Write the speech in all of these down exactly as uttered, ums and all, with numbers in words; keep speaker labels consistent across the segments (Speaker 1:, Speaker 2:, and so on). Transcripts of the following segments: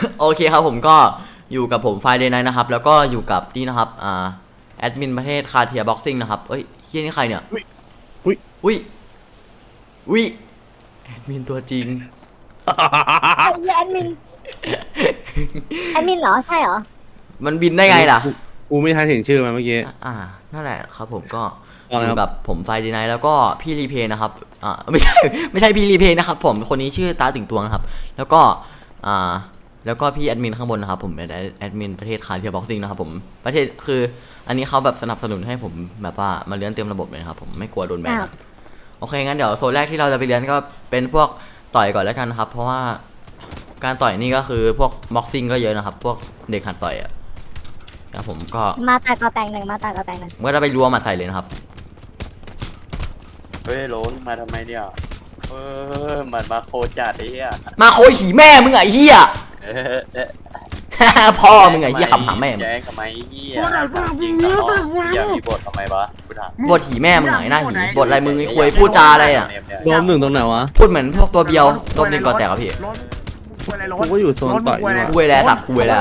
Speaker 1: โอเคครับผมก็อยู่กับผมไฟเดย์ไนท์นะครับแล้วก็อยู่กับนี่นะครับอ่าแอดมินประเทศคาเทียบ็อกซิ่งนะครับเอ้ยเฮียนี่ใครเนี่ยอุ้ยอุ้ยอุ้ยแอดมินตัวจริง
Speaker 2: ไอ้แอดมินแอดมินเหรอใช่เหรอ
Speaker 1: มันบินได้ไงล่ะ
Speaker 3: กูไม่ทันเห็นชื่อมันเมื่อกี้
Speaker 1: อ่านั่นแหละครับผมก็อยู่กับผมไฟเดย์ไนท์แล้วก็พี่รีเพย์นะครับอ่าไม่ใช่ไม่ใช่พี่รีเพย์นะครับผมคนนี้ชื่อตาติ่งตวงครับแล้วก็อ่าแล้วก็พี่แอดมินข้างบนนะครับผมเป็นแอดมินประเทศคาเทียบ็อกซิ่งนะครับผมประเทศคืออันนี้เขาแบบสนับสนุนให้ผมแบบว่ามาเลี้ยงเต็มระบบเลยครับผมไม่กลัวโดนแบนโอเคงั้นเดี๋ยวโซนแรกที่เราจะไปเรียนก็เป็นพวกต่อยก่อนแล้วกันครับเพราะว่าการต่อยนี่ก็คือพวกบ็อกซิ่งก็เยอะนะครับพวกเด็กหัดต่อยอ่ะครับผมก็
Speaker 2: มาตากอแตงหนึ่งมาตากอแตงหนึ่ง
Speaker 1: เมื่อเราไปรัวมาใส่เลยนะครับ
Speaker 4: เฮ้ยโหลนมาทำไมเนี่ยเออมันมาโคจัดไอ้เหี้ย
Speaker 1: มาโคหีแม่มึงไอ้เหี้ยพ่อมึงไอ้เหี้ยคำหาแม่
Speaker 4: แจ้งทำไมเหี้ยจริงกับน้องอย่ามีบททำไมวะกูถาม
Speaker 1: บทหีแม่มึงไหนหน้าหีบทอะไรมึงไอ้คุยพูดจาอะไรอ่ะ
Speaker 3: รวมหนึ่งตรงไหนวะ
Speaker 1: พูดเหมือนพวกตัวเบียวตัวหนึ่งก่อนแตกครับพี่
Speaker 3: กูก็อยู่โซนต่อยนี่
Speaker 1: คุยแล้วสักคุยแล้ว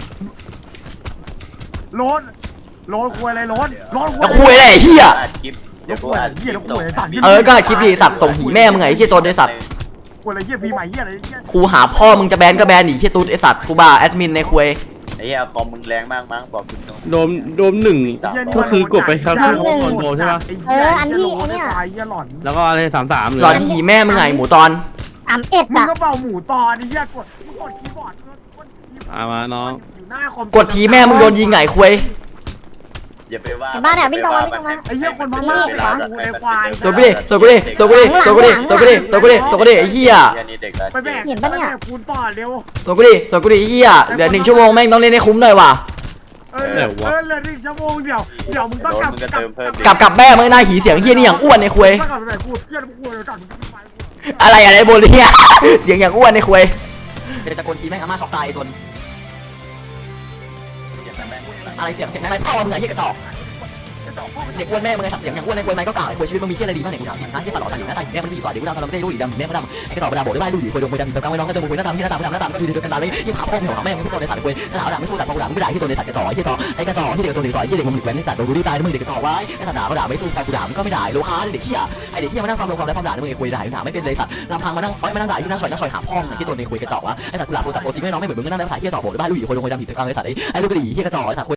Speaker 5: โลนโลนคุยอะไรโลนโลน
Speaker 1: แล้วคุยอะไรเหี้ย
Speaker 4: เดี๋ยวกูอ่านคลิปส่ง
Speaker 1: เออก็คลิปดีสัตว์ส่งหีแม่มึงไงเหี้ยโจนไอสัตว์
Speaker 5: คุยอะไรเหี้ยพีใหม่เหี้ยอะไรเหี้ย
Speaker 1: ครูหาพ่อมึงจะแบนก็แบนหนีเหี้ยตูดไอสัตว์ครูบาแอดมินในคุย
Speaker 4: ไอ้เหี้ยคอมมึงแรงมากมั้งบอกคุณ
Speaker 3: โดมโดมหนึ่งก็คือกดไปครับที่เขาคอนโทรใช่ปะ
Speaker 2: เอออันที่อันเนี้ย
Speaker 3: แล้วก็อะไรสามสาม
Speaker 1: หลอนหีแม่มึงไงหมูตอน
Speaker 2: อ่ำเอ็ด
Speaker 5: มึง
Speaker 2: อะ
Speaker 5: ก็เป่าหมูตอนไอ้เหี้ยกดกดคีย์บอร์ดกด
Speaker 3: อามาน้อง
Speaker 5: อยู่หน้าคอม
Speaker 1: กดทีแม่มึงโดนยิงไงคุย
Speaker 4: อย่าไปว่า
Speaker 2: บ้านเนี่ยไม่ตรงไม่ตรงนะ
Speaker 5: ไอ้เหี้ยคนพม่าเหรอไอ้ควาย
Speaker 1: สกุดิสกุดิสกุดิสกุดิสกุดิสกุดิสกุดิไอ้เหี้ย
Speaker 5: ไปแบกเห็นปะเนี่ยคูณปอดเร็ว
Speaker 1: สกุดิสกุดิไอ้เหี้ยเดี๋ยวหนึ่งชั่วโมงแม่งต้องเล่นให้คุ้มหน่อยว่ะ
Speaker 5: เออเออเหลือหนึ่งชั่วโมงเดี๋ยวเดี๋ยวมึงต้องกลับ
Speaker 1: กลับกลับแม่มึงหน้าหีเสียงเหี้ยนี่อย่างอ้วนในคุยอะไรอะไรโบลี่เสียงอย่างอ้วนในคุยเดี๋ยวตะโกนทีแม่งอาม่าช็อกตายไอ้ตนอะไรเสียงเสียงอะไรพ่อมึงไอ้เหี้ยกระจอกเด็กอ้วนแม่มึงไงสับเสียงอย่างอ้วนในคุยไหมก็กล่าวไอ้คุยชีวิตมึงมีเหี้ยอะไรดีบ้างเนี่ยกูถามจริงนะเหี้ยฝาหล่อตาอยู่หน้าตาแม่มันดีกว่าเดี๋ยวกูทำทำเราไม่ได้รู้ดีดำแม่มันดำไอ้กระจอกกระดาษโบได้บ้านลูกดีคุยดงคุยดำตะกางไว้น้องก็จะมึงคุยหน้าตาที่หน้าตาหน้าตาก็คือเดียวกันตาเลยยิ่งขาพ่อมึงหัวแม่มึงทุกคนในสัตว์คุยหน้าตาด่าไม่สู้แต่พอด่าไม่ด่าที่ตัวในสัตว์กระจอกไอ้เหี้ยจอกไอ้กระจอกที่เด็กตัวเด็กต่อยที่เด็กมึงหลีกแว้นในสัตว์โดนกูดีตายมึงเด็กกระจอกไว้ไอ้สัตว์ด่าก็ด่าไม่สู้แต่กูด่ามึงก็ไม่ด่าโลคาเด็กเหี้ยไอ้เด็กเหี้ยมานั่งฟังลงความแล้วความด่ามึงไอ้คุยด่าด่าไม่เป็นเลยสัตว์ลำพังมานั่งอ้อยมานั่งด่าที่นั่งซอยนั่งซอยหาพ่อมึงที่ตัวในคุยกระจอกวะไอ้สัตว์กูด่าตัวแต่ตัวจริงไม่น้องไม่เหมือนมึงนั่งได้ภาษาเหี้ยต่อโบได้บ้านลูกดีคุยดงคุยดำผิดตะกางไอ้สัตว์ไอ้ไอ้ลูกกระดิ่งเหี้ยกระจอกไอ้สัตว์